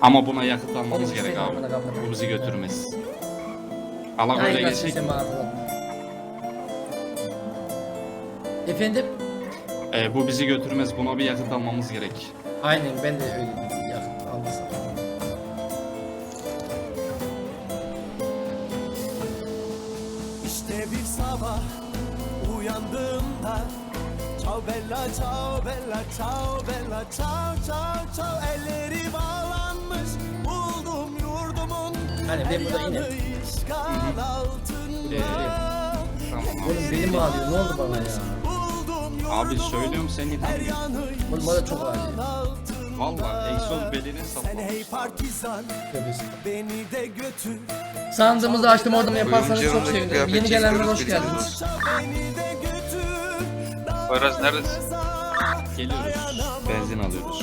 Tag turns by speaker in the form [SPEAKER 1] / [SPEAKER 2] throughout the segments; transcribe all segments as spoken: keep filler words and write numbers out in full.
[SPEAKER 1] Ama buna yakıt almamız
[SPEAKER 2] Oğlum,
[SPEAKER 1] gerek
[SPEAKER 2] şey
[SPEAKER 1] abi.
[SPEAKER 2] kapına, kapına.
[SPEAKER 1] Bu bizi götürmez. Allah
[SPEAKER 2] Aynen,
[SPEAKER 1] böyle
[SPEAKER 2] ben
[SPEAKER 1] geçecek.
[SPEAKER 2] sesimi hatırladım. Efendim?
[SPEAKER 1] Ee, bu bizi götürmez. Buna bir yakıt almamız gerek.
[SPEAKER 2] Aynen ben de öyle dedim. Yakın almasın.
[SPEAKER 3] İşte bir sabah uyandığımda ciao bella ciao bella ciao bella ciao ciao ciao elleri bağlanmış buldum yurdumun
[SPEAKER 2] Hani ben burada yine.
[SPEAKER 3] işgal altında
[SPEAKER 1] Tamam abi.
[SPEAKER 2] Oğlum belim ağrıyor, ne oldu bana ya?
[SPEAKER 3] buldum
[SPEAKER 1] Abi söylüyorum seni.
[SPEAKER 3] her yanı
[SPEAKER 2] Oğlum bana çok ağrıyor.
[SPEAKER 1] Valla egzoz beline
[SPEAKER 3] sen
[SPEAKER 1] saplamış.
[SPEAKER 3] hey partizan
[SPEAKER 2] Tövbesi.
[SPEAKER 3] beni de götür
[SPEAKER 2] Sandığımızı açtım, oradan yaparsanız çok
[SPEAKER 4] Oyuncu
[SPEAKER 2] sevinirim.
[SPEAKER 4] yanındaki
[SPEAKER 2] Yeni
[SPEAKER 4] kıyafeti
[SPEAKER 2] gelenler hoş
[SPEAKER 4] çekiyoruz,
[SPEAKER 2] geldiniz.
[SPEAKER 3] beni de götür
[SPEAKER 4] Poyraz neredesin?
[SPEAKER 1] Geliyoruz. Benzin alıyoruz.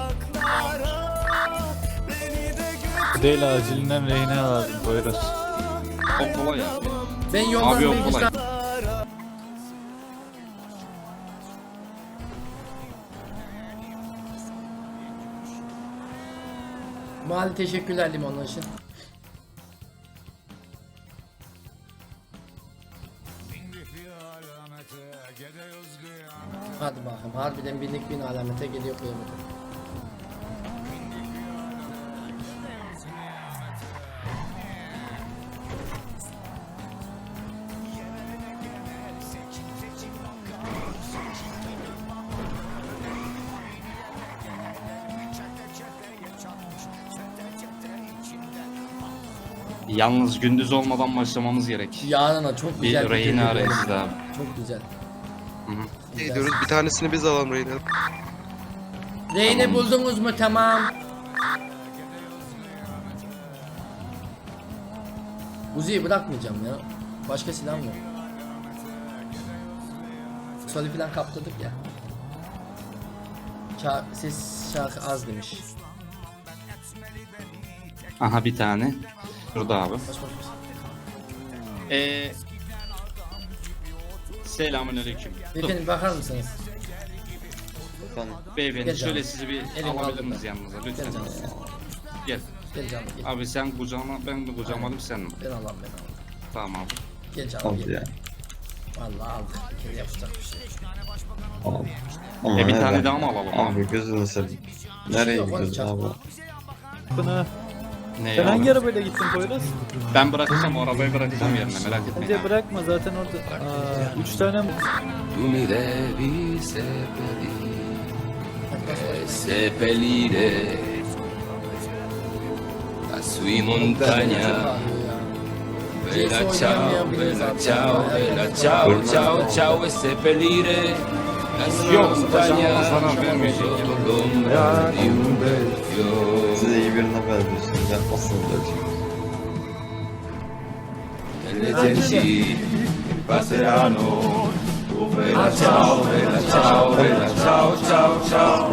[SPEAKER 5] Değil acilinden rehine lazım Poyraz.
[SPEAKER 1] O kolay abi.
[SPEAKER 2] Ben yoldan
[SPEAKER 1] Abi o
[SPEAKER 2] bir
[SPEAKER 1] kolay.
[SPEAKER 2] Mali teşekkürler limonlar için. Hadi bakalım, harbiden binlik bin alamete geliyor kıyamete.
[SPEAKER 1] Yalnız gündüz olmadan başlamamız gerek.
[SPEAKER 2] Yarına çok
[SPEAKER 1] Bir
[SPEAKER 2] güzel
[SPEAKER 1] rehine
[SPEAKER 2] geliyor.
[SPEAKER 1] arayız abi.
[SPEAKER 2] Çok güzel.
[SPEAKER 4] Ne diyoruz? Bir tanesini biz alalım Reyna.
[SPEAKER 2] Reyne buldunuz mu? Tamam. Uzi'yi bırakmayacağım ya. Başka silah mı? Soli falan kaptırdık ya. Ça ses şarkı az demiş.
[SPEAKER 1] Aha bir tane. Şurada abi.
[SPEAKER 2] Baş baş baş.
[SPEAKER 1] Ee, Selamünaleyküm.
[SPEAKER 2] Beyefendi bakar mısınız?
[SPEAKER 1] Beyefendi
[SPEAKER 2] Gel
[SPEAKER 1] şöyle
[SPEAKER 2] canım.
[SPEAKER 1] sizi bir
[SPEAKER 2] Elim
[SPEAKER 1] alabilir
[SPEAKER 2] aldım
[SPEAKER 1] miyiz
[SPEAKER 2] ben.
[SPEAKER 1] yanınıza
[SPEAKER 2] Gel
[SPEAKER 1] lütfen?
[SPEAKER 2] canım.
[SPEAKER 1] Gel.
[SPEAKER 2] Gel canım gel.
[SPEAKER 1] Abi sen kucağıma ben mi kucağıma alayım sen mi?
[SPEAKER 2] Ben Allah'ım ben Allah'ım.
[SPEAKER 1] Tamam abi.
[SPEAKER 2] Gel canım gel. Vallahi aldık. Bir kere yapacak bir şey.
[SPEAKER 6] Ama
[SPEAKER 1] E bir
[SPEAKER 6] nereden?
[SPEAKER 1] tane daha mı alalım abi?
[SPEAKER 6] Abi gözünü seveyim. Nereye
[SPEAKER 2] Yok,
[SPEAKER 6] gidiyoruz
[SPEAKER 2] oğlum,
[SPEAKER 6] abi?
[SPEAKER 5] Buna.
[SPEAKER 1] Ne
[SPEAKER 5] Sen
[SPEAKER 1] ya?
[SPEAKER 5] hangi arabayla gittin Poyraz?
[SPEAKER 1] Ben bırakacağım o arabayı bırakacağım yerine merak etmeyin.
[SPEAKER 5] Bence
[SPEAKER 1] abi.
[SPEAKER 5] bırakma zaten orada. Aa, üç tane mi?
[SPEAKER 7] Tu mi devi seppellire,
[SPEAKER 2] Hadi baş baş.
[SPEAKER 7] seppellire la sui montagna. Bella ciao, bella ciao, bella ciao, ciao, ciao e seppellire la sui
[SPEAKER 1] Yok,
[SPEAKER 7] montagna
[SPEAKER 1] sana vermeyecek.
[SPEAKER 7] sotto l'ombra di un bel fiore.
[SPEAKER 6] Size iyi birine benziyorsun. Yapmasın böyle.
[SPEAKER 7] E le genti passeranno. Bella ciao, bella ciao, bella ciao, ciao, ciao.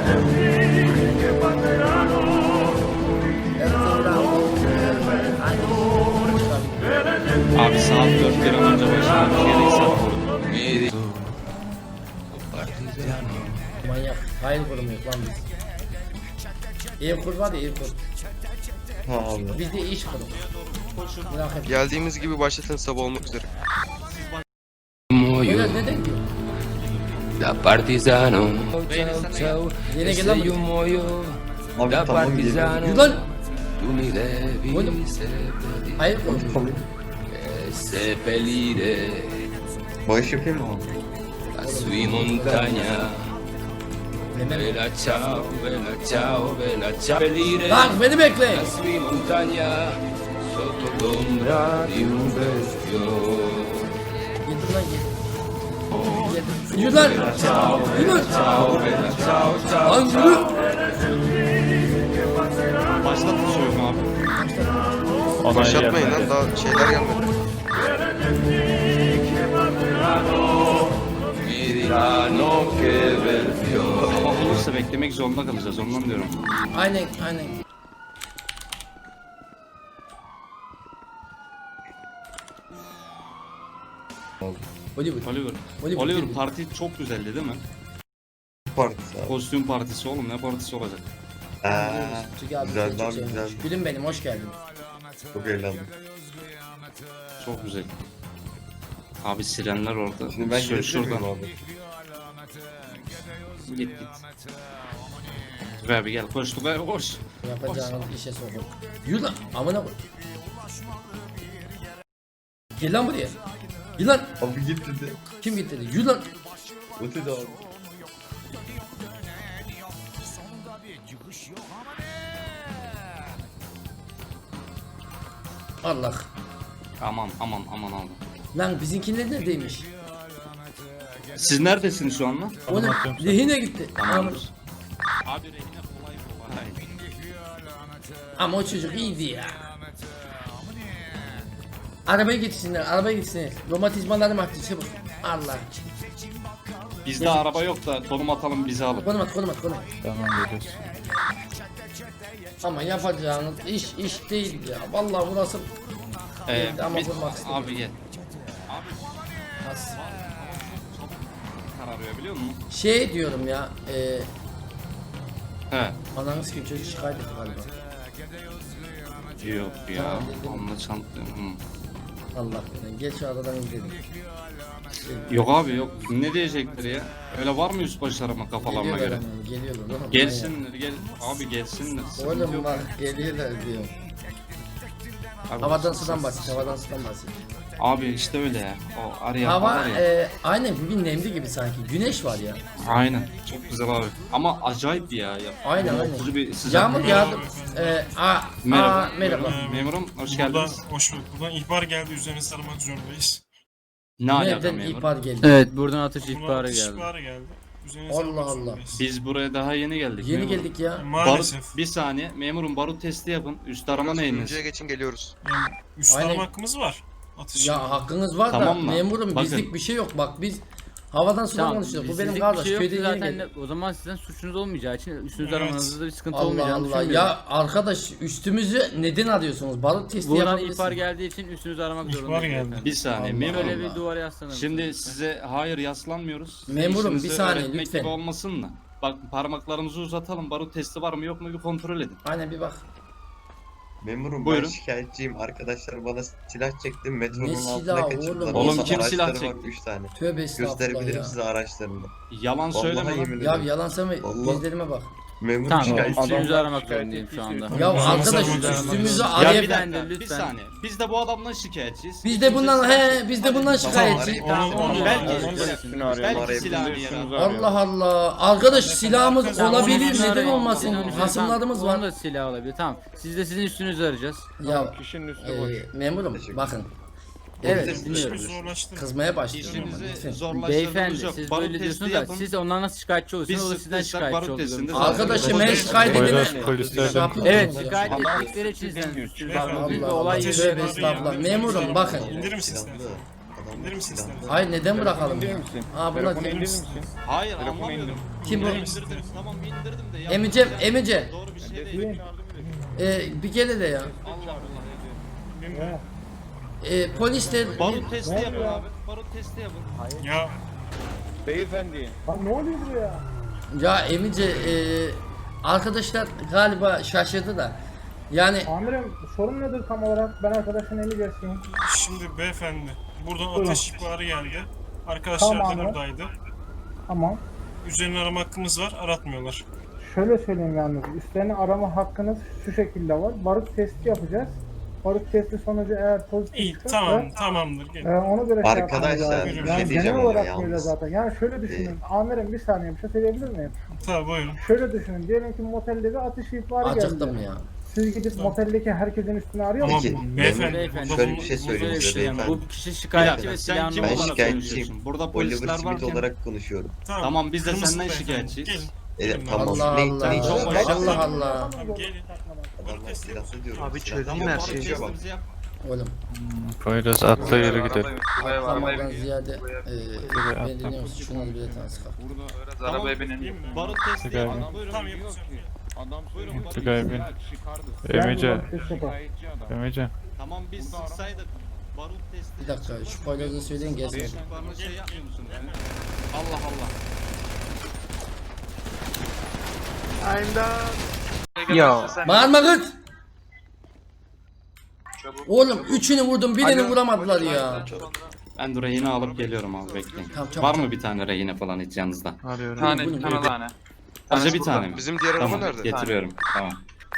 [SPEAKER 1] Abi saat dört bir an önce başlamak gerekse
[SPEAKER 7] Mi dico, partigiano.
[SPEAKER 2] Manyak. Hayır kurumu yok lan biz. Ev kur var ya, ev kur.
[SPEAKER 6] Ha abi.
[SPEAKER 2] Biz de iş kurumu. Merak etme.
[SPEAKER 4] Geldiğimiz gibi başlatın sabah olmak üzere.
[SPEAKER 7] Muoio
[SPEAKER 2] Böyle neden diyor?
[SPEAKER 7] da partigiano. Ciao, ciao,
[SPEAKER 2] Viene
[SPEAKER 7] e
[SPEAKER 2] che
[SPEAKER 7] se
[SPEAKER 2] la-
[SPEAKER 7] io muoio
[SPEAKER 6] Abi
[SPEAKER 7] da
[SPEAKER 6] tamam
[SPEAKER 7] partigiano.
[SPEAKER 2] Yürü lan.
[SPEAKER 7] Tu mi devi
[SPEAKER 2] Oğlum.
[SPEAKER 7] seppellire,
[SPEAKER 2] Hayır kur.
[SPEAKER 7] e seppellire
[SPEAKER 6] Bağış yapayım mı abi?
[SPEAKER 7] la sui montagna. Bella ciao, bella ciao, bella ciao. Seppellire
[SPEAKER 2] Lan beni bekle.
[SPEAKER 7] la sui montagna sotto l'ombra di un bel fiore.
[SPEAKER 2] Yedir lan yedir. Yedir. Yürü lan. Yürü. Lan yürü.
[SPEAKER 1] başlatın soyunu abi.
[SPEAKER 5] Ona
[SPEAKER 4] Başlatmayın
[SPEAKER 5] gelmedi.
[SPEAKER 4] lan daha şeyler gelmedi.
[SPEAKER 7] Mi diranno che bel fiore.
[SPEAKER 1] Sabah olursa beklemek zorunda kalacağız ondan diyorum.
[SPEAKER 2] Aynen aynen. Hollywood.
[SPEAKER 1] Oliver.
[SPEAKER 2] Oliver,
[SPEAKER 1] Oliver
[SPEAKER 2] Oliver.
[SPEAKER 1] parti çok güzeldi değil mi?
[SPEAKER 6] Partisi abi.
[SPEAKER 1] Kostüm partisi oğlum ne partisi olacak?
[SPEAKER 6] Aa,
[SPEAKER 2] Çünkü abi
[SPEAKER 6] güzel,
[SPEAKER 2] seni çok
[SPEAKER 6] abi,
[SPEAKER 2] sevmiş.
[SPEAKER 6] güzel.
[SPEAKER 2] Gülüm benim hoş geldin.
[SPEAKER 6] Çok eğlendim.
[SPEAKER 1] Çok güzel. Abi sirenler orada.
[SPEAKER 6] Şimdi ben
[SPEAKER 1] Şöyle
[SPEAKER 6] gidebilir miyim
[SPEAKER 1] şuradan.
[SPEAKER 6] abi?
[SPEAKER 1] Git git. Tugay abi gel koş Tugay koş.
[SPEAKER 2] Yapacağınız işe sokun. Yürü lan amına koy. Gel lan buraya. Gel lan.
[SPEAKER 6] Abi git dedi.
[SPEAKER 2] Kim gitti dedi. Yürü lan.
[SPEAKER 6] O dedi abi.
[SPEAKER 2] Allah.
[SPEAKER 1] Aman aman aman abi.
[SPEAKER 2] Lan bizimkiler neredeymiş?
[SPEAKER 1] Siz neredesiniz şu anda?
[SPEAKER 2] Oğlum rehine gitti.
[SPEAKER 1] Tamamdır. Abi rehine kolay kolay.
[SPEAKER 2] Ama o çocuk iyiydi ya. Arabaya gitsinler, arabaya gitsinler. Romatizmalarım arttı çabuk. Allah.
[SPEAKER 1] Bizde araba yok da konum atalım bizi alın.
[SPEAKER 2] Konum at, konum at, konum at.
[SPEAKER 5] Tamam geliyoruz.
[SPEAKER 2] Ama yapacağınız iş iş değil ya. Vallahi burası
[SPEAKER 1] Ee,
[SPEAKER 2] ama
[SPEAKER 1] biz-
[SPEAKER 2] vurmak istedim.
[SPEAKER 1] abi gel.
[SPEAKER 2] az.
[SPEAKER 1] Kararıyor biliyor musun?
[SPEAKER 2] Şey diyorum ya. E,
[SPEAKER 1] He.
[SPEAKER 2] ananız kim çocuk şikayet etti galiba.
[SPEAKER 1] Yok ya.
[SPEAKER 2] Tamam, dedim.
[SPEAKER 1] Onunla çantlıyorum.
[SPEAKER 2] Allah bilir. Gel şu aradan gidelim.
[SPEAKER 1] Yok abi yok. Ne diyecektir ya? Öyle var mı üst başlarıma kafalarına
[SPEAKER 2] Geliyorlar
[SPEAKER 1] göre?
[SPEAKER 2] hemen, geliyorlar oğlum.
[SPEAKER 1] Gelsinler gel. Abi gelsinler. Sıkıntı
[SPEAKER 2] Oğlum
[SPEAKER 1] yok.
[SPEAKER 2] bak geliyorlar diyor.
[SPEAKER 1] Abi,
[SPEAKER 2] Havadan
[SPEAKER 1] siz-
[SPEAKER 2] sudan bahset, havadan sudan bahset.
[SPEAKER 1] Abi işte öyle ya. O arayan
[SPEAKER 2] Hava
[SPEAKER 1] var ya.
[SPEAKER 2] e, aynen bugün nemli gibi sanki. Güneş var ya.
[SPEAKER 1] Aynen. Çok güzel abi. Ama acayip ya. ya.
[SPEAKER 2] Aynen, aynen.
[SPEAKER 1] Bunaltıcı bir sıcak.
[SPEAKER 2] Yağmur yağdı. E, a,
[SPEAKER 1] Merhaba.
[SPEAKER 2] a, merhaba.
[SPEAKER 1] Memurum hoş
[SPEAKER 8] Buradan,
[SPEAKER 1] geldiniz.
[SPEAKER 8] hoş bulduk. Buradan ihbar geldi. Üzerine sarmak zorundayız.
[SPEAKER 1] Ne alaka
[SPEAKER 2] Nereden
[SPEAKER 1] memur?
[SPEAKER 2] ihbar geldi?
[SPEAKER 5] Evet buradan atış
[SPEAKER 8] Buna
[SPEAKER 5] ihbarı
[SPEAKER 8] atış
[SPEAKER 5] geldi.
[SPEAKER 8] ihbarı geldi. Üzerine
[SPEAKER 2] Allah
[SPEAKER 8] sarmak
[SPEAKER 2] Allah.
[SPEAKER 8] zorundayız.
[SPEAKER 1] Biz buraya daha yeni geldik.
[SPEAKER 2] Yeni
[SPEAKER 1] memurum.
[SPEAKER 2] geldik ya.
[SPEAKER 8] Maalesef.
[SPEAKER 1] Barut, bir saniye. Memurum barut testi yapın. Üst arama neyiniz?
[SPEAKER 4] Turuncuya geçin geliyoruz.
[SPEAKER 8] Yani üst
[SPEAKER 2] Aynen.
[SPEAKER 8] arama hakkımız var. Atış.
[SPEAKER 2] Ya hakkınız var
[SPEAKER 1] Tamam
[SPEAKER 2] da
[SPEAKER 1] mı?
[SPEAKER 2] memurum
[SPEAKER 1] Bakın.
[SPEAKER 2] bizlik bir şey yok. Bak biz havadan sudan
[SPEAKER 5] Tamam,
[SPEAKER 2] konuşuyoruz. Bu
[SPEAKER 5] bizlik
[SPEAKER 2] benim
[SPEAKER 5] bir
[SPEAKER 2] kardeş.
[SPEAKER 5] şey yok
[SPEAKER 2] Köyde
[SPEAKER 5] ki
[SPEAKER 2] yeni
[SPEAKER 5] zaten
[SPEAKER 2] geldik.
[SPEAKER 5] de- o zaman sizden suçunuz olmayacağı için üstünüzde
[SPEAKER 8] Evet.
[SPEAKER 5] aramanızda bir sıkıntı
[SPEAKER 2] Allah
[SPEAKER 5] olmayacağını
[SPEAKER 2] Allah.
[SPEAKER 5] düşünmüyorum.
[SPEAKER 2] Ya arkadaş üstümüzü neden arıyorsunuz? Barut testi
[SPEAKER 5] Buradan
[SPEAKER 2] yapabilirsiniz.
[SPEAKER 5] ihbar geldiği için üstünüzü aramak
[SPEAKER 8] İhbar
[SPEAKER 5] zorundayız.
[SPEAKER 8] geldi.
[SPEAKER 5] efendim.
[SPEAKER 1] Bir saniye
[SPEAKER 2] Allah
[SPEAKER 1] memurum.
[SPEAKER 5] Böyle bir duvara yaslanalım.
[SPEAKER 1] Şimdi size hayır yaslanmıyoruz.
[SPEAKER 2] Memurum,
[SPEAKER 1] İşinizi
[SPEAKER 2] bir saniye,
[SPEAKER 1] öğretmek
[SPEAKER 2] lütfen.
[SPEAKER 1] gibi olmasın da. Bak parmaklarımızı uzatalım. Barut testi var mı yok mu bir kontrol edin.
[SPEAKER 2] Aynen bir bak.
[SPEAKER 6] Memurum
[SPEAKER 1] Buyurun.
[SPEAKER 6] ben şikayetçiyim. Arkadaşlar bana silah çekti. Metronun
[SPEAKER 2] Ne
[SPEAKER 6] altına
[SPEAKER 2] silahı
[SPEAKER 6] kaçırdılar.
[SPEAKER 2] oğlum?
[SPEAKER 1] Oğlum,
[SPEAKER 6] Olsa
[SPEAKER 1] kim silah
[SPEAKER 6] araçları var
[SPEAKER 1] çekti?
[SPEAKER 6] üç tane.
[SPEAKER 2] Tövbe estağfurullah
[SPEAKER 6] Gösterebilirim
[SPEAKER 2] ya.
[SPEAKER 6] size araçlarını.
[SPEAKER 1] Yalan
[SPEAKER 6] Vallahi
[SPEAKER 1] söyleme.
[SPEAKER 6] yemin
[SPEAKER 1] lan.
[SPEAKER 2] Ya
[SPEAKER 6] ederim.
[SPEAKER 2] yalan söyleme.
[SPEAKER 6] Allah.
[SPEAKER 2] Gözlerime bak.
[SPEAKER 6] Memur
[SPEAKER 5] Tamam
[SPEAKER 6] şikayetçi.
[SPEAKER 5] üstünüzü aramak zorundayım şu anda.
[SPEAKER 2] Ya
[SPEAKER 8] Adamlar
[SPEAKER 2] arkadaş
[SPEAKER 8] sarmak
[SPEAKER 2] üstümüzü
[SPEAKER 8] zorunda.
[SPEAKER 1] Ya
[SPEAKER 2] arayıp
[SPEAKER 1] bir
[SPEAKER 5] Beyefendi,
[SPEAKER 1] dakika bir
[SPEAKER 5] lütfen.
[SPEAKER 1] saniye. Biz de bu adamdan şikayetçiyiz.
[SPEAKER 2] Biz de bundan he biz de bundan şikayetçi.
[SPEAKER 8] Onu, onu,
[SPEAKER 1] Belki-
[SPEAKER 8] onu-
[SPEAKER 1] Belki silahını yere al.
[SPEAKER 2] Allah Allah. Arkadaş silahımız
[SPEAKER 8] Herkes-
[SPEAKER 2] olabilir
[SPEAKER 8] Onu
[SPEAKER 2] neden
[SPEAKER 5] arayın.
[SPEAKER 2] olmasın?
[SPEAKER 5] Onun üstüne-
[SPEAKER 2] Hasımlarımız
[SPEAKER 5] tamam,
[SPEAKER 2] var.
[SPEAKER 5] Onun da silah olabilir. Tamam. Siz de sizin üstünüzü arayacağız.
[SPEAKER 2] Ya
[SPEAKER 9] Kişinin üstü
[SPEAKER 2] e,
[SPEAKER 9] boş.
[SPEAKER 2] memurum
[SPEAKER 6] Teşekkür
[SPEAKER 2] bakın.
[SPEAKER 5] Evet
[SPEAKER 6] İşimizi
[SPEAKER 5] dinliyorum.
[SPEAKER 8] İşimizi zorlaştırın.
[SPEAKER 2] Kızmaya başlıyorum ama
[SPEAKER 1] İşinizi
[SPEAKER 2] lütfen.
[SPEAKER 1] zorlaştırdığınız
[SPEAKER 5] Beyefendi
[SPEAKER 1] yok.
[SPEAKER 5] siz
[SPEAKER 1] Barut
[SPEAKER 5] böyle
[SPEAKER 1] testi
[SPEAKER 5] diyorsunuz da
[SPEAKER 1] yapın.
[SPEAKER 5] siz de ondan nasıl şikayetçi
[SPEAKER 1] Biz
[SPEAKER 5] oluyorsunuz? O da sizden
[SPEAKER 1] sıktıysak
[SPEAKER 5] şikayetçi
[SPEAKER 1] barut
[SPEAKER 5] oluyor.
[SPEAKER 1] testinde
[SPEAKER 2] Arkadaşım ben
[SPEAKER 1] Polis-
[SPEAKER 2] şikayet
[SPEAKER 5] Polis-
[SPEAKER 2] edene.
[SPEAKER 5] polislerden-
[SPEAKER 2] Şey yapıyorsunuz
[SPEAKER 5] Evet
[SPEAKER 2] ya.
[SPEAKER 5] şikayet
[SPEAKER 8] Allah-
[SPEAKER 5] ettikleri için sizden suçlu.
[SPEAKER 8] Beyefendi.
[SPEAKER 5] Bak büyük bir
[SPEAKER 2] Allah
[SPEAKER 5] olay
[SPEAKER 2] Allah.
[SPEAKER 5] yaşıyor.
[SPEAKER 2] Tövbe estağfurullah. Memurum bakın.
[SPEAKER 8] İndirir misin
[SPEAKER 6] Silahlı.
[SPEAKER 8] silahı?
[SPEAKER 6] Adam
[SPEAKER 8] İndirir misin
[SPEAKER 6] silahlı.
[SPEAKER 8] silahı?
[SPEAKER 2] Hayır neden bırakalım ya?
[SPEAKER 9] İndirir misin?
[SPEAKER 2] Ha bunlar
[SPEAKER 9] Telefonu
[SPEAKER 2] kim?
[SPEAKER 9] indirir misin?
[SPEAKER 1] Hayır
[SPEAKER 9] Telefonu
[SPEAKER 1] anlamıyorum.
[SPEAKER 9] indir.
[SPEAKER 2] Kim bu?
[SPEAKER 1] İndirdim, tamam indirdim de. ya-
[SPEAKER 2] Emice, Emice.
[SPEAKER 1] Doğru bir şey değil.
[SPEAKER 2] E, bir kere de ya.
[SPEAKER 1] Allah Allah.
[SPEAKER 2] E, polis de
[SPEAKER 1] Barut testi yapın abi. Barut testi yapın.
[SPEAKER 8] Ya
[SPEAKER 9] Beyefendi.
[SPEAKER 2] ya Emice e, arkadaşlar galiba şaşırdı da. Yani
[SPEAKER 10] Amirim sorun nedir tam olarak? Ben arkadaşın eli geçeyim.
[SPEAKER 8] şimdi beyefendi buradan ateş ihbarı geldi. Arkadaşlar
[SPEAKER 10] Tamam
[SPEAKER 8] da
[SPEAKER 10] abi.
[SPEAKER 8] buradaydı.
[SPEAKER 10] Tamam.
[SPEAKER 8] Üzerine arama hakkımız var. Aratmıyorlar.
[SPEAKER 10] Şöyle söyleyeyim yalnız. Üstlerini arama hakkınız şu şekilde var. Barut testi yapacağız. Barut testi sonucu eğer pozitif
[SPEAKER 8] İyi
[SPEAKER 10] çıkarsa,
[SPEAKER 8] tamam tamamdır.
[SPEAKER 10] e,
[SPEAKER 8] Gel.
[SPEAKER 10] ona göre şey yapmamız
[SPEAKER 6] Arkadaşlar,
[SPEAKER 10] lazım.
[SPEAKER 8] bir şey
[SPEAKER 10] Yani genel
[SPEAKER 6] diyeceğim ama
[SPEAKER 10] olarak
[SPEAKER 6] yalnız.
[SPEAKER 10] böyle zaten. Yani şöyle düşünün. Amirim bir saniye bir şey söyleyebilir miyim?
[SPEAKER 8] Tabii buyurun.
[SPEAKER 10] Şöyle düşünün. Diyelim ki motelde bir atış ihbarı
[SPEAKER 2] acıktım
[SPEAKER 10] geldi.
[SPEAKER 2] ya.
[SPEAKER 10] Siz gidip moteldeki herkesin üstüne arıyor
[SPEAKER 8] Ama
[SPEAKER 6] Peki,
[SPEAKER 10] musunuz?
[SPEAKER 8] beyefendi,
[SPEAKER 5] Beyefendi
[SPEAKER 8] burada
[SPEAKER 6] şöyle
[SPEAKER 8] bu-
[SPEAKER 6] bir şey
[SPEAKER 8] bu-
[SPEAKER 6] söyleyeyim
[SPEAKER 5] Böyle bir
[SPEAKER 6] size
[SPEAKER 5] şey yani.
[SPEAKER 6] beyefendi.
[SPEAKER 5] Bu kişi
[SPEAKER 1] Bir
[SPEAKER 5] şikayetçi
[SPEAKER 1] dakika
[SPEAKER 5] ve
[SPEAKER 1] sen
[SPEAKER 5] silahını
[SPEAKER 1] kim
[SPEAKER 6] Ben
[SPEAKER 1] olarak
[SPEAKER 6] şikayetçiyim.
[SPEAKER 1] konuşuyorsun? Burada
[SPEAKER 6] Oliver
[SPEAKER 1] polisler
[SPEAKER 6] Smith
[SPEAKER 1] varken.
[SPEAKER 6] olarak konuşuyorum.
[SPEAKER 1] Tamam, biz de
[SPEAKER 8] Kırmızı
[SPEAKER 1] senden
[SPEAKER 8] beyefendi,
[SPEAKER 1] şikayetçiyiz.
[SPEAKER 8] Gelin.
[SPEAKER 6] Evet
[SPEAKER 8] Gelin
[SPEAKER 6] tamam.
[SPEAKER 2] Allah
[SPEAKER 6] Ne,
[SPEAKER 2] Allah.
[SPEAKER 6] ne
[SPEAKER 1] Çok
[SPEAKER 6] için?
[SPEAKER 1] başarılı.
[SPEAKER 2] Allah Allah.
[SPEAKER 8] Gelin.
[SPEAKER 6] Adamlar silahlı diyorum.
[SPEAKER 4] Abi
[SPEAKER 6] silahlı.
[SPEAKER 4] çözdüm
[SPEAKER 6] Tamam,
[SPEAKER 4] her şeyi.
[SPEAKER 6] konuşuyor bak.
[SPEAKER 1] Testimizi yap.
[SPEAKER 2] Oğlum.
[SPEAKER 5] Poyraz atla yere gidelim.
[SPEAKER 2] Atlamadan ziyade e, ben dinliyor musun? Şuna da bir tane sıkar.
[SPEAKER 1] Tamam.
[SPEAKER 9] Arabaya binelim.
[SPEAKER 8] Değil mi?
[SPEAKER 1] Barut testi
[SPEAKER 5] Tugay
[SPEAKER 1] yapın.
[SPEAKER 5] abi.
[SPEAKER 1] Buyurun.
[SPEAKER 8] Tamam yapacağım.
[SPEAKER 9] Adam
[SPEAKER 1] Buyurun,
[SPEAKER 9] söylüyor.
[SPEAKER 5] Tugay bin.
[SPEAKER 10] Ben
[SPEAKER 5] Emice.
[SPEAKER 10] barut testi yapayım.
[SPEAKER 5] Emice.
[SPEAKER 1] Tamam biz sıksaydık. Barut testi.
[SPEAKER 2] Bir dakika şu paylaşını söyleyin gelsin.
[SPEAKER 1] Bana şey yapmıyor musunuz? yani? Allah Allah.
[SPEAKER 9] Ya.
[SPEAKER 2] Bağırma kız. Oğlum üçünü vurdum birini vuramadılar ya.
[SPEAKER 1] Ben de rehine alıp geliyorum abi bekleyin.
[SPEAKER 2] Tamam, çabuk,
[SPEAKER 1] Var
[SPEAKER 2] çabuk.
[SPEAKER 1] mı bir tane rehine falan hiç yanınızda?
[SPEAKER 5] Arıyorum.
[SPEAKER 2] Tane, bir tane
[SPEAKER 8] tane.
[SPEAKER 1] Sadece bir tane mi?
[SPEAKER 4] Bizim diğer araba
[SPEAKER 1] Tamam
[SPEAKER 4] nerede?
[SPEAKER 1] getiriyorum. Tamam.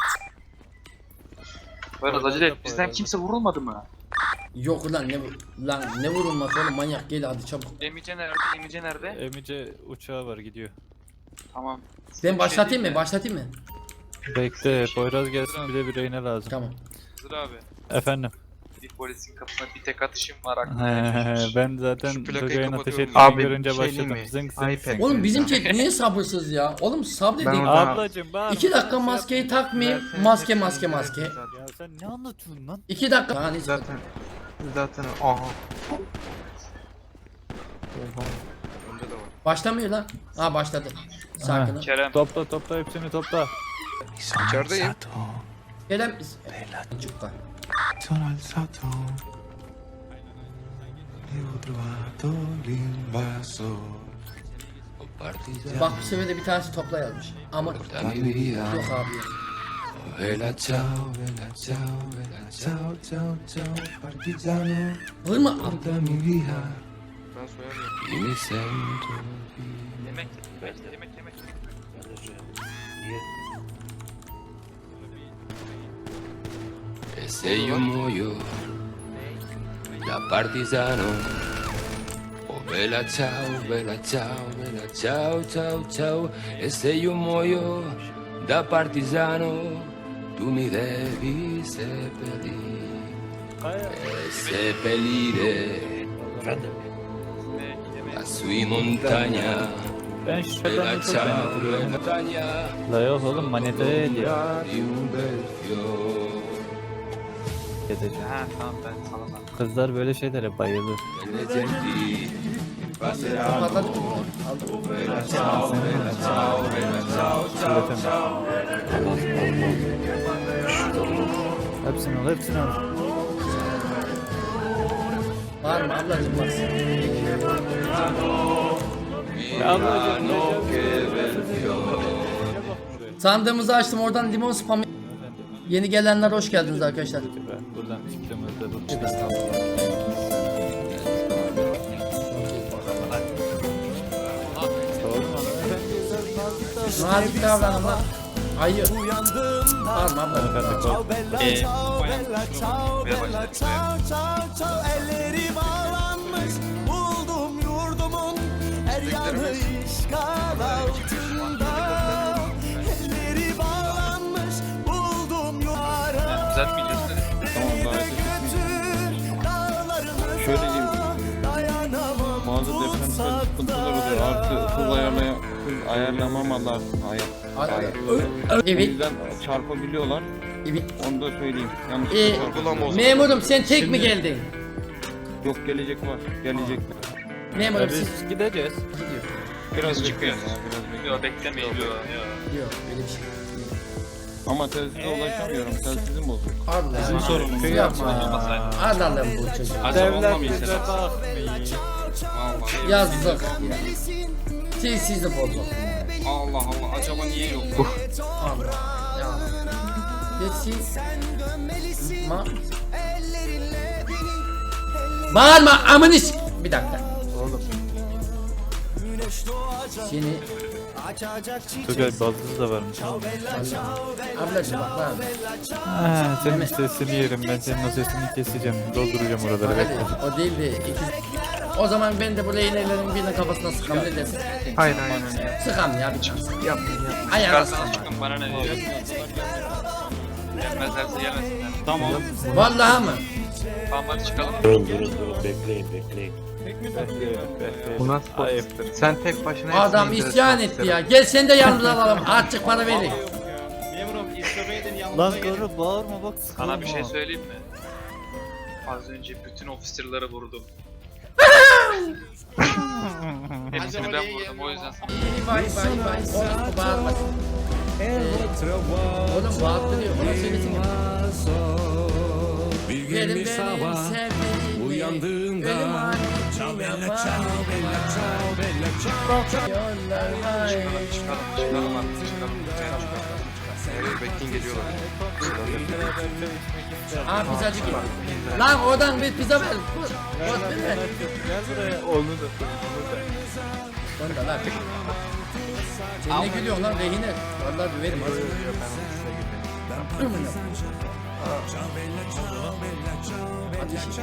[SPEAKER 9] Biraz acele et. Bizden kimse vurulmadı mı?
[SPEAKER 2] Yok ulan ne lan ne vurulmaz oğlum manyak gel hadi çabuk.
[SPEAKER 9] Emice nerede? Emice nerede?
[SPEAKER 5] Emice uçağı var gidiyor.
[SPEAKER 9] Tamam.
[SPEAKER 2] Ben başlatayım mı? Başlatayım mı?
[SPEAKER 5] Bekle Poyraz gelsin bir de bir reyne lazım.
[SPEAKER 2] Tamam.
[SPEAKER 9] Hızır abi.
[SPEAKER 5] Efendim.
[SPEAKER 9] Bir polisin kapısına bir tek atışım var
[SPEAKER 5] He, ben zaten
[SPEAKER 4] Şu plakayı
[SPEAKER 5] Tugay'ın ateş
[SPEAKER 4] kapatıyorum.
[SPEAKER 5] ettiğini
[SPEAKER 11] Abi,
[SPEAKER 5] görünce
[SPEAKER 11] şey
[SPEAKER 5] başladım.
[SPEAKER 11] diyeyim mi?
[SPEAKER 5] Zınk zınk
[SPEAKER 11] iPad.
[SPEAKER 5] zınk.
[SPEAKER 2] Oğlum bizim chat niye sabırsız ya? Oğlum sabredin.
[SPEAKER 11] Ben orada-
[SPEAKER 5] Ablacım bağırma.
[SPEAKER 2] İki dakika maskeyi takmayayım. Maske maske maske.
[SPEAKER 5] Ya sen ne anlatıyorsun lan?
[SPEAKER 2] İki dakika. Yani
[SPEAKER 11] Zaten zaten aha.
[SPEAKER 4] Önde de var.
[SPEAKER 2] başlamıyor lan. Ha başladı. Sakin ol.
[SPEAKER 9] Kerem.
[SPEAKER 5] Topla topla hepsini topla.
[SPEAKER 4] İçerideyim.
[SPEAKER 2] Kerem. Çocuklar.
[SPEAKER 3] Sono alzato e ho trovato l'invasor.
[SPEAKER 2] Bak bu sefer de bir tanesi topla yazmış. Ama yok abi. yok.
[SPEAKER 7] Bella ciao, bella ciao, bella ciao, ciao, ciao, partigiano,
[SPEAKER 2] Vurma.
[SPEAKER 7] portami via,
[SPEAKER 4] Ben soyamıyorum.
[SPEAKER 7] e mi sento
[SPEAKER 9] Yemek. Yemek. Yemek. Yemek.
[SPEAKER 7] e se io muoio da partigiano. Oh bella ciao, bella ciao, bella ciao, ciao, ciao, e se io muoio da partigiano, tu mi devi seppellire, e seppellire lassù in montagna.
[SPEAKER 5] Ben şuradan
[SPEAKER 7] Bella
[SPEAKER 5] çok
[SPEAKER 7] ciao,
[SPEAKER 5] merak
[SPEAKER 7] bella
[SPEAKER 5] ediyorum.
[SPEAKER 7] montagna
[SPEAKER 5] La yok oğlum manetaya ediyor.
[SPEAKER 7] di un bel fiore.
[SPEAKER 5] Edeceğim.
[SPEAKER 9] Ha tamam ben sana sana.
[SPEAKER 5] Kızlar böyle şeylere bayılır.
[SPEAKER 7] Belle genti passerà.
[SPEAKER 2] Toparladık mı?
[SPEAKER 7] Bella ciao, bella ciao, bella ciao, ciao, ciao.
[SPEAKER 5] Hepsini al hepsini al.
[SPEAKER 2] Bağırma ablacım bak.
[SPEAKER 5] Ya ablacım.
[SPEAKER 2] Sandığımızı açtım oradan limon spam. Yeni gelenler hoş geldiniz arkadaşlar.
[SPEAKER 5] Ben buradan çıktığımızda bu.
[SPEAKER 2] Tövbe estağfurullah. Nazik davranın lan. Ayı.
[SPEAKER 3] Uyandığımda
[SPEAKER 2] Bağırma abla.
[SPEAKER 3] ciao bella ciao bella ciao bella ciao ciao ciao elleri bağlanmış buldum yurdumun her yanı işgal altında elleri bağlanmış buldum yuvarı
[SPEAKER 9] Güzel mi gidiyorsun?
[SPEAKER 3] beni de götür dağlarımıza
[SPEAKER 11] Şöyle diyeyim.
[SPEAKER 3] dayanamam
[SPEAKER 11] Bazı depremsel sıkıntılar oluyor. Artı hız ayarlaya hız ayarlamamalar. Hayır. Hayır. O
[SPEAKER 2] Evet.
[SPEAKER 11] yüzden çarpabiliyorlar.
[SPEAKER 2] Evet.
[SPEAKER 11] Onu da söyleyeyim. Yanlış
[SPEAKER 2] Ee,
[SPEAKER 4] Uygulama o zaman.
[SPEAKER 2] memurum sen tek mi geldin?
[SPEAKER 11] Yok gelecek var. Gelecekler.
[SPEAKER 2] Memurum siz
[SPEAKER 5] Biz gideceğiz.
[SPEAKER 2] gidiyor.
[SPEAKER 11] Biraz
[SPEAKER 9] çıkıyor.
[SPEAKER 11] bekleyin ya, biraz bekleyin.
[SPEAKER 9] Yok beklemeyin. Yok.
[SPEAKER 2] Yok öyle bir şey.
[SPEAKER 11] Ama telsize ulaşamıyorum. Telsizim bozuk.
[SPEAKER 2] Allah.
[SPEAKER 1] Bizim sorunumuz.
[SPEAKER 2] Yapma. Allah'ım bu çocuğu.
[SPEAKER 1] Acaba
[SPEAKER 5] Devlet
[SPEAKER 1] olmamayacak.
[SPEAKER 5] bize bakmıyor.
[SPEAKER 1] Allah.
[SPEAKER 2] Yazdık. Siz sizi bozuk.
[SPEAKER 1] Allah Allah. Acaba niye yok?
[SPEAKER 2] Allah. Ya. Geçsin. Ma. Bağırma amını s- Bir dakika. Seni
[SPEAKER 5] Tugay baldız da varmış.
[SPEAKER 2] ablacım bak lan.
[SPEAKER 5] Ha, senin sesini yerim ben senin o sesini keseceğim. Dolduracağım oraları bekle.
[SPEAKER 2] Hadi, o değil de ikiz. O zaman ben de bu leylelerin birine kafasına sıkam ne dersin?
[SPEAKER 11] Hayır hayır.
[SPEAKER 2] Sıkam ya bir chance.
[SPEAKER 11] Yapma yapma.
[SPEAKER 2] Ayağına sıkam.
[SPEAKER 9] Çıkarsanız çıkın bana ne diyor? Gelmezlerse gelmesinler.
[SPEAKER 1] Tamam.
[SPEAKER 2] Vallahi mı?
[SPEAKER 9] Tamam hadi çıkalım.
[SPEAKER 11] Bu nasıl?
[SPEAKER 5] Ayıptır.
[SPEAKER 11] Sen tek başına
[SPEAKER 2] Adam
[SPEAKER 11] hepsini
[SPEAKER 2] isyan
[SPEAKER 11] indirip
[SPEAKER 2] etti ya. Gel sen de yanımıza alalım. Azıcık para verin.
[SPEAKER 5] Lan karı bağırma bak sıkılma.
[SPEAKER 9] Sana bir şey söyleyeyim mi? Az önce bütün officer'ları vurdum. Hepsini ben vurdum o yüzden sana.
[SPEAKER 2] Vay vay vay. Oğlum bu bağırmasın. Ee, oğlum bağırtırıyor. Buna söylesin.
[SPEAKER 3] bir
[SPEAKER 2] Verin
[SPEAKER 3] gün bir
[SPEAKER 2] benim
[SPEAKER 3] sabah
[SPEAKER 2] sevdiğimi.
[SPEAKER 3] uyandığımda
[SPEAKER 2] Ölüm hakkında
[SPEAKER 3] ciao bella
[SPEAKER 2] var.
[SPEAKER 3] ciao bella ciao bella ciao ciao
[SPEAKER 2] Yollar var.
[SPEAKER 9] Çıkalım çıkalım artık çıkalım. Lütfen çıkalım.
[SPEAKER 4] Evet, bekleyin geliyorlar.
[SPEAKER 5] Beraber çay içmek ister.
[SPEAKER 2] Ha pizzacı gibi. Lan oradan bir pizza ver. Dur. Dur bir ver.
[SPEAKER 5] Gel buraya. Onu da.
[SPEAKER 2] Onu da lan. Sen ne gülüyorsun lan rehine? Vallahi döverim az. Ateş.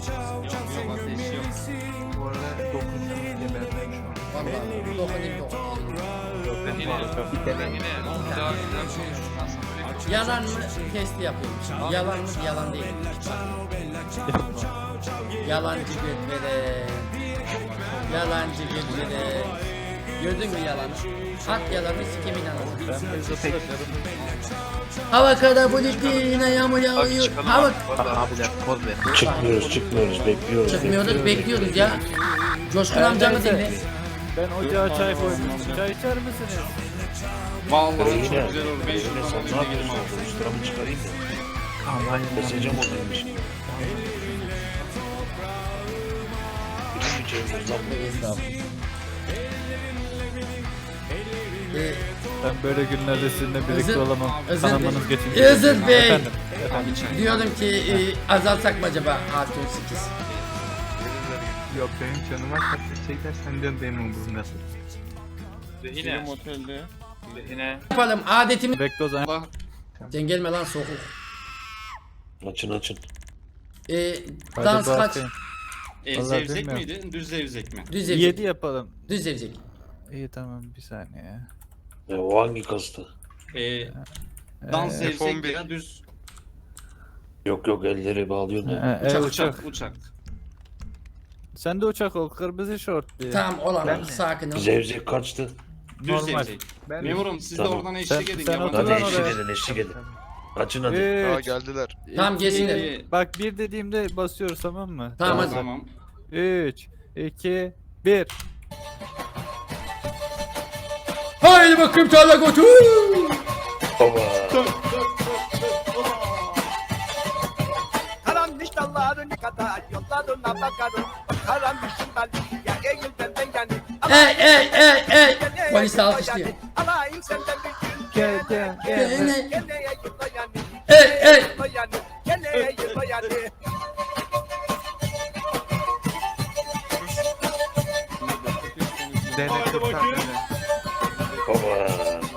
[SPEAKER 5] Bu arada dokunacağım diye ben şu an.
[SPEAKER 2] Vallahi dokunayım dokunayım. Yalan mı testi yapıyorum şimdi. Yalan mı yalan değil. Yalancı götvere. Yalancı götvere. Gördün mü yalanı? At yalanı sikimin anasını. Hava kadar bulutlu yine yağmur yağıyor. Hava...
[SPEAKER 6] Çıkmıyoruz çıkmıyoruz bekliyoruz.
[SPEAKER 2] Çıkmıyoruz bekliyoruz ya. Coşkun amcamı dinle.
[SPEAKER 5] Ben ocağa çay koymuşum. Çay içer misiniz?
[SPEAKER 1] Vallahi çok güzel olur. beş yıl sonra bir de gidelim abi.
[SPEAKER 6] Sıramı çıkarayım da.
[SPEAKER 5] Aman
[SPEAKER 6] Mesajım olaymış.
[SPEAKER 2] Ee,
[SPEAKER 5] Ben böyle günlerde sizinle birlikte
[SPEAKER 2] Özür-
[SPEAKER 5] olamam.
[SPEAKER 2] Özür
[SPEAKER 5] Kanamanız
[SPEAKER 2] Bey.
[SPEAKER 5] geçince.
[SPEAKER 2] Özür Bey.
[SPEAKER 5] Efendim.
[SPEAKER 2] Diyorum ki e, azaltsak mı acaba artı on sekiz?
[SPEAKER 5] Yok benim canıma kastetecekler senden benim umurumda.
[SPEAKER 11] Benim otelde.
[SPEAKER 2] Yapalım adetimi.
[SPEAKER 5] Bekle o zaman.
[SPEAKER 1] Allah.
[SPEAKER 2] Sen gelme lan sokuk.
[SPEAKER 6] Açın açın.
[SPEAKER 2] Ee,
[SPEAKER 5] Hadi
[SPEAKER 2] dans kaç?
[SPEAKER 5] bakayım.
[SPEAKER 1] E,
[SPEAKER 5] Vallahi
[SPEAKER 1] zevzek
[SPEAKER 5] bilmiyorum.
[SPEAKER 1] miydi? Düz zevzek mi?
[SPEAKER 2] Düz zevzek.
[SPEAKER 5] yedi yapalım.
[SPEAKER 2] Düz zevzek.
[SPEAKER 5] İyi tamam bir saniye.
[SPEAKER 6] Ya o hangi kastı?
[SPEAKER 1] E, dans
[SPEAKER 5] Ee,
[SPEAKER 1] zevzek
[SPEAKER 4] F on bir.
[SPEAKER 1] ya düz
[SPEAKER 6] Yok yok elleri bağlıyorsun ya.
[SPEAKER 5] e, e,
[SPEAKER 1] uçak,
[SPEAKER 5] uçak.
[SPEAKER 1] uçak uçak.
[SPEAKER 5] Sen de uçak ol. Kırmızı şort diye.
[SPEAKER 2] Tamam olan
[SPEAKER 5] Ben-
[SPEAKER 2] sakin ol.
[SPEAKER 6] Zevzek kaçtı.
[SPEAKER 1] Düz
[SPEAKER 5] Normal.
[SPEAKER 1] zevzek.
[SPEAKER 5] Ben-
[SPEAKER 1] Memurum siz
[SPEAKER 6] Tamam.
[SPEAKER 1] de oradan
[SPEAKER 5] Sen-
[SPEAKER 1] eşlik edin.
[SPEAKER 5] sen
[SPEAKER 1] yabancı.
[SPEAKER 5] otur
[SPEAKER 6] Hadi
[SPEAKER 5] lan
[SPEAKER 6] eşlik
[SPEAKER 5] oraya.
[SPEAKER 6] edin eşlik edin. Açın hadi.
[SPEAKER 4] Aa
[SPEAKER 5] Üç.
[SPEAKER 4] geldiler.
[SPEAKER 2] Tamam gelsinler.
[SPEAKER 1] E,
[SPEAKER 5] Bak bir dediğimde basıyoruz tamam mı?
[SPEAKER 2] Tamam hadi.
[SPEAKER 1] Tamam.
[SPEAKER 5] üç, iki, bir.
[SPEAKER 2] Haydi bakayım tarla götür.
[SPEAKER 6] Baba.
[SPEAKER 3] Karanmış dalların kadar yollarına bakarım. Karanmışım ben ya eğil benden yani.
[SPEAKER 2] Ey ey ey ey. Polis alkışlıyor.
[SPEAKER 3] Alayım senden bir gün.
[SPEAKER 5] Gel gel gel.
[SPEAKER 2] Gene-
[SPEAKER 3] Geneye yıla yani.
[SPEAKER 2] Ey ey.
[SPEAKER 3] Yıla yani. Geneye yıla yani.
[SPEAKER 5] Dene kırtak dene.
[SPEAKER 6] Baba.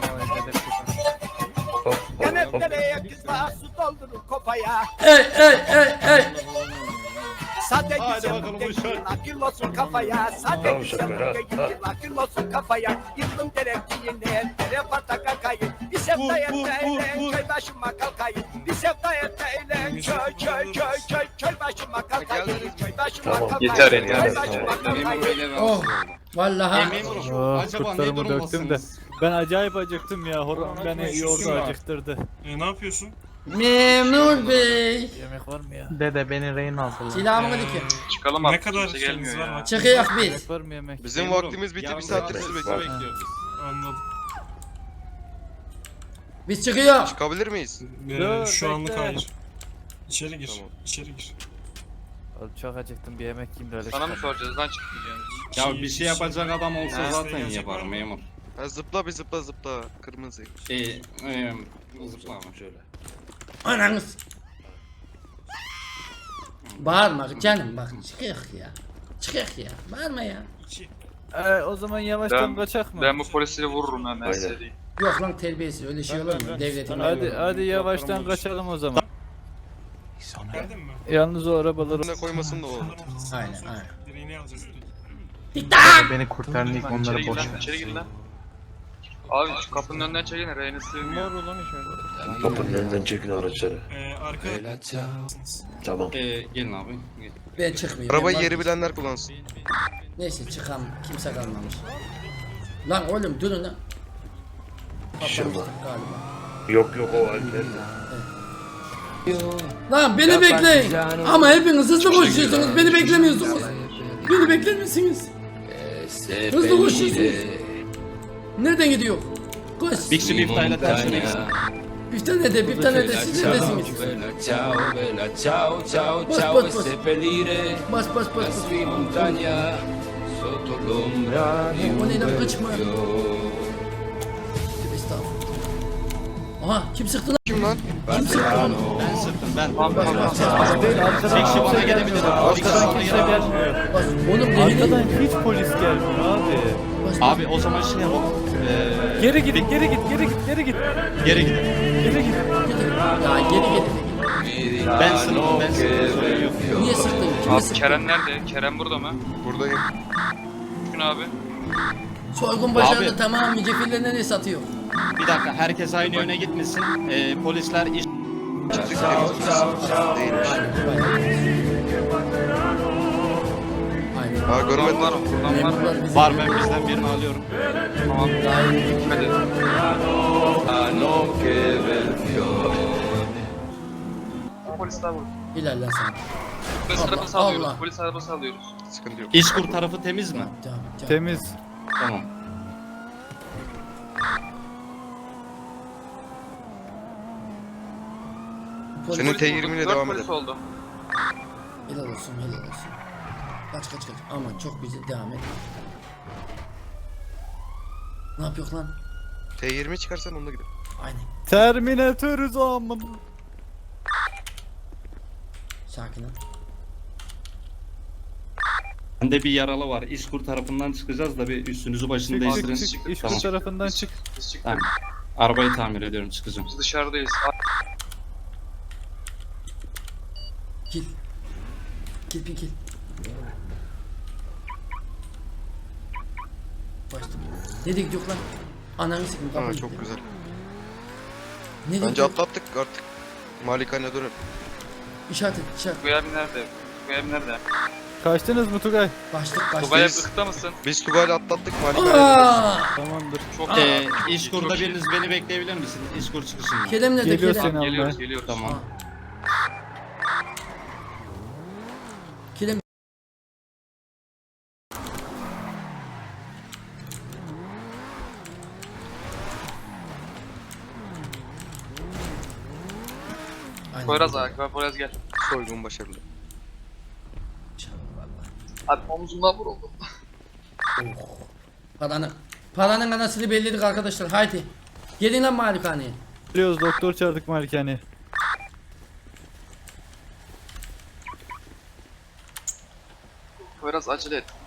[SPEAKER 6] Hop hop
[SPEAKER 3] Gene
[SPEAKER 6] hop.
[SPEAKER 3] nereye kızla su doldurur kopaya.
[SPEAKER 2] Ey ey ey ey.
[SPEAKER 3] Sade
[SPEAKER 1] Hadi
[SPEAKER 3] güzel
[SPEAKER 1] bakalım
[SPEAKER 3] bu
[SPEAKER 1] uşak.
[SPEAKER 3] gençler akıl olsun kafaya. Sade
[SPEAKER 6] Tamam
[SPEAKER 3] güzel
[SPEAKER 6] uşaklar, ha,
[SPEAKER 3] bu gençler akıl olsun kafaya. Yıldım gerektiğine dere pata kakayı. Bir sevda
[SPEAKER 1] Vur, vur,
[SPEAKER 3] etmeyle
[SPEAKER 1] vur, vur.
[SPEAKER 3] köy başıma kalkayım. Bir sevda etmeyle köy köy köy köy köy başıma kalkayım. Köy başıma
[SPEAKER 6] Tamam,
[SPEAKER 3] kalkayım.
[SPEAKER 6] yeter,
[SPEAKER 3] Köy
[SPEAKER 6] yeter,
[SPEAKER 3] başıma
[SPEAKER 6] tamam.
[SPEAKER 1] Memur
[SPEAKER 3] kalkayım.
[SPEAKER 1] beyler
[SPEAKER 2] Oh.
[SPEAKER 1] rahatsız oldu. E,
[SPEAKER 2] Vallahi.
[SPEAKER 1] memurum
[SPEAKER 5] Oh,
[SPEAKER 1] acaba ne
[SPEAKER 5] kurtlarımı döktüm de.
[SPEAKER 1] durumdasınız?
[SPEAKER 5] Ben acayip acıktım ya. Horon beni yoğurdu acıktırdı.
[SPEAKER 8] E, ne yapıyorsun?
[SPEAKER 2] Memur bey.
[SPEAKER 5] Yemek var mı ya? Dede beni rehin alsın.
[SPEAKER 2] Silahımı dikin.
[SPEAKER 9] Çıkalım
[SPEAKER 8] Ne kadar şeyiniz var mı?
[SPEAKER 2] Çıkıyor biz.
[SPEAKER 5] Yemek var mı yemek?
[SPEAKER 4] Bizim
[SPEAKER 1] Memurum,
[SPEAKER 4] vaktimiz bitti. Bir
[SPEAKER 1] yarın
[SPEAKER 4] saattir
[SPEAKER 1] saat
[SPEAKER 4] sizi
[SPEAKER 1] sizi
[SPEAKER 4] bekliyoruz.
[SPEAKER 1] bekliyoruz.
[SPEAKER 8] Anladım.
[SPEAKER 2] Biz çıkıyor.
[SPEAKER 4] Çıkabilir miyiz?
[SPEAKER 8] Ee,
[SPEAKER 5] Dur,
[SPEAKER 8] şu anlık
[SPEAKER 5] bekle.
[SPEAKER 8] hayır. İçeri gir.
[SPEAKER 4] Tamam.
[SPEAKER 8] İçeri gir.
[SPEAKER 5] Oğlum çok acıktım bir yemek yiyeyim de öyle
[SPEAKER 9] Sana mı
[SPEAKER 5] çıkalım.
[SPEAKER 9] soracağız lan çıkmayacağız?
[SPEAKER 1] Ya bir şey yapacak adam olsa
[SPEAKER 8] Desteğe
[SPEAKER 1] zaten
[SPEAKER 8] gelecek
[SPEAKER 1] yapar
[SPEAKER 8] var mı?
[SPEAKER 1] memur.
[SPEAKER 4] Ha, zıpla bir zıpla zıpla. Kırmızı.
[SPEAKER 1] E, e, zıplama şöyle.
[SPEAKER 2] Ananız. Bağırma canım bak çıkıyor ya. Çıkıyor ya. Bağırma ya.
[SPEAKER 5] Ee, o zaman yavaştan
[SPEAKER 9] Ben-
[SPEAKER 5] kaçak mı?
[SPEAKER 9] Ben bu polisleri vururum hemen
[SPEAKER 6] Aynen.
[SPEAKER 9] size diyeyim.
[SPEAKER 2] Yok lan terbiyesiz öyle şey olur mu? Devletin.
[SPEAKER 5] Hadi hadi yavaştan kaçalım o zaman.
[SPEAKER 8] Geldin mi?
[SPEAKER 5] Yalnız o arabaları
[SPEAKER 4] Ne koymasın da olur.
[SPEAKER 2] Aynen aynen.
[SPEAKER 8] Direğini alacağız direkt.
[SPEAKER 5] beni kurtarın ilk
[SPEAKER 9] İçeri gir lan, içeri gir lan. Abi şu kapının önünden çekin, reyini sığmıyor.
[SPEAKER 6] Kapının önünden çekin araçları.
[SPEAKER 8] Ee, arka...
[SPEAKER 6] Tamam.
[SPEAKER 1] E, gelin abi. Gel.
[SPEAKER 2] Ben çıkmıyorum.
[SPEAKER 4] Arabayı
[SPEAKER 2] ben
[SPEAKER 4] yeri
[SPEAKER 2] bak-
[SPEAKER 4] bilenler kullansın.
[SPEAKER 2] Neyse çıkam. Kimse kalmamış. Lan oğlum durun lan.
[SPEAKER 6] Şırma.
[SPEAKER 2] Galiba.
[SPEAKER 6] Yok yok o Alper'de.
[SPEAKER 2] Lan beni bekleyin. Ama hepiniz hızlı koşuyorsunuz. Beni beklemiyorsunuz. Beni bekler misiniz? Hızlı koşuyorsunuz. Nereden gidiyor? Koş.
[SPEAKER 1] Big Swift ile tersine.
[SPEAKER 2] Bir tane de bir tane de siz neredesiniz?
[SPEAKER 7] Ciao, bella, ciao, ciao,
[SPEAKER 2] Bas,
[SPEAKER 7] ciao
[SPEAKER 2] bas,
[SPEAKER 7] e
[SPEAKER 2] bas.
[SPEAKER 7] seppellire
[SPEAKER 2] Bas bas bas.
[SPEAKER 7] la
[SPEAKER 2] bas.
[SPEAKER 7] sua montagna sotto l'ombra di
[SPEAKER 2] O
[SPEAKER 7] un
[SPEAKER 2] neyden
[SPEAKER 7] bel
[SPEAKER 2] kaçma.
[SPEAKER 7] fiore.
[SPEAKER 2] Tövbe estağfurullah. Aha kim sıktı lan?
[SPEAKER 4] Kim lan?
[SPEAKER 2] Kim sıktı lan?
[SPEAKER 1] Ben sıktım ben.
[SPEAKER 2] Bas bas bas.
[SPEAKER 5] Değil, arkadan
[SPEAKER 1] Tek kişi bana
[SPEAKER 5] kimse
[SPEAKER 1] gelebilir.
[SPEAKER 5] gelmiyor.
[SPEAKER 1] Bir kişi bana
[SPEAKER 5] Arkadan kimse
[SPEAKER 1] gelebilir.
[SPEAKER 5] gelmiyor.
[SPEAKER 2] Bas. Oğlum rehin.
[SPEAKER 5] Arkadan hiç polis gelmiyor abi.
[SPEAKER 2] Bas, bas.
[SPEAKER 1] Abi o zaman şey yapalım. Ee,
[SPEAKER 5] Geri gidin, geri git, geri git, geri git.
[SPEAKER 1] geri gidelim.
[SPEAKER 5] Geri git.
[SPEAKER 2] Ya geri geri.
[SPEAKER 1] Ben sıktım ben sıktım. Sorun yok.
[SPEAKER 2] Niye sıktın? Kime
[SPEAKER 9] Abi
[SPEAKER 2] sıktın?
[SPEAKER 9] Kerem nerede? Kerem burada mı?
[SPEAKER 4] Buradayım.
[SPEAKER 9] Gün abi.
[SPEAKER 2] Soygun başarılı
[SPEAKER 1] Abi.
[SPEAKER 2] tamam mı? Cefille nereye satıyor?
[SPEAKER 1] Bir dakika herkes aynı yöne gitmesin. Ee, polisler iş...
[SPEAKER 4] Çıktık temiz. Değilmiş.
[SPEAKER 2] Aynen.
[SPEAKER 4] Ha görmedim.
[SPEAKER 9] Var mı? Buradan var mı?
[SPEAKER 2] Memurlar bizi-
[SPEAKER 1] Var ben bizden birini alıyorum.
[SPEAKER 9] Tamam. Hadi. Polisler burada.
[SPEAKER 2] İlerle sen.
[SPEAKER 9] Polis
[SPEAKER 2] Allah,
[SPEAKER 9] arabası alıyoruz.
[SPEAKER 2] Allah.
[SPEAKER 9] Polis arabası alıyoruz.
[SPEAKER 4] Sıkıntı yok.
[SPEAKER 1] İşkur tarafı temiz mi?
[SPEAKER 2] Tamam, tamam.
[SPEAKER 5] Temiz.
[SPEAKER 1] Tamam.
[SPEAKER 2] Polis-
[SPEAKER 4] Senin T yirmi ile
[SPEAKER 9] Dört
[SPEAKER 4] devam
[SPEAKER 9] polis
[SPEAKER 4] edelim.
[SPEAKER 9] oldu.
[SPEAKER 2] Helal olsun, helal olsun. Kaç kaç kaç. Aman çok güzel devam et. Ne yapıyor lan?
[SPEAKER 4] T yirmi çıkarsan onunla gidelim.
[SPEAKER 2] Aynen.
[SPEAKER 5] Terminatör zaman.
[SPEAKER 2] Sakin ol.
[SPEAKER 1] Bende bir yaralı var. İşkur tarafından çıkacağız da bir üstünüzü başını
[SPEAKER 5] Çık
[SPEAKER 1] değiştirin.
[SPEAKER 5] çık çık. İş
[SPEAKER 1] Tamam.
[SPEAKER 5] bu tarafından çık.
[SPEAKER 9] Biz çıktık.
[SPEAKER 1] Tamam. Arabayı tamir ediyorum çıkacağım.
[SPEAKER 9] Biz dışarıdayız.
[SPEAKER 2] Gel. Gel bir gel. Başladım. Nereye gidiyor lan? Ananı sikeyim.
[SPEAKER 4] Ha
[SPEAKER 2] kapıyı
[SPEAKER 4] çok
[SPEAKER 2] gitti.
[SPEAKER 4] güzel.
[SPEAKER 2] Nereye
[SPEAKER 4] Bence
[SPEAKER 2] gidiyor?
[SPEAKER 4] atlattık artık. Malikane dönelim.
[SPEAKER 2] İşaret et, işaret.
[SPEAKER 9] Tugay abi nerede? Tugay abi nerede?
[SPEAKER 5] Kaçtınız mı Tugay?
[SPEAKER 2] Başlık
[SPEAKER 9] Tugay abi
[SPEAKER 2] başlık.
[SPEAKER 9] ıkta mısın?
[SPEAKER 4] Biz Tugay'la atlattık Malikane.
[SPEAKER 2] Aaa!
[SPEAKER 5] Tamamdır.
[SPEAKER 9] Çok iyi.
[SPEAKER 1] Ee, İşkur'da
[SPEAKER 9] Çok iyi.
[SPEAKER 1] biriniz beni bekleyebilir misiniz? İşkur çıkışında.
[SPEAKER 2] Kerem nerede?
[SPEAKER 5] Geliyor
[SPEAKER 2] Kerem.
[SPEAKER 5] seni almaya.
[SPEAKER 9] Geliyoruz geliyoruz.
[SPEAKER 1] Tamam.
[SPEAKER 2] Aa. Kerem. Aynen.
[SPEAKER 9] Poyraz abi. Poyraz gel.
[SPEAKER 4] Soygun başarılı.
[SPEAKER 9] Abi omzumdan vuruldu.
[SPEAKER 2] Paranın, paranın anasını belirledik arkadaşlar. Haydi. Gelin lan malikaneye.
[SPEAKER 5] Biliyoruz doktor çağırdık malikane.
[SPEAKER 9] Poyraz acele et.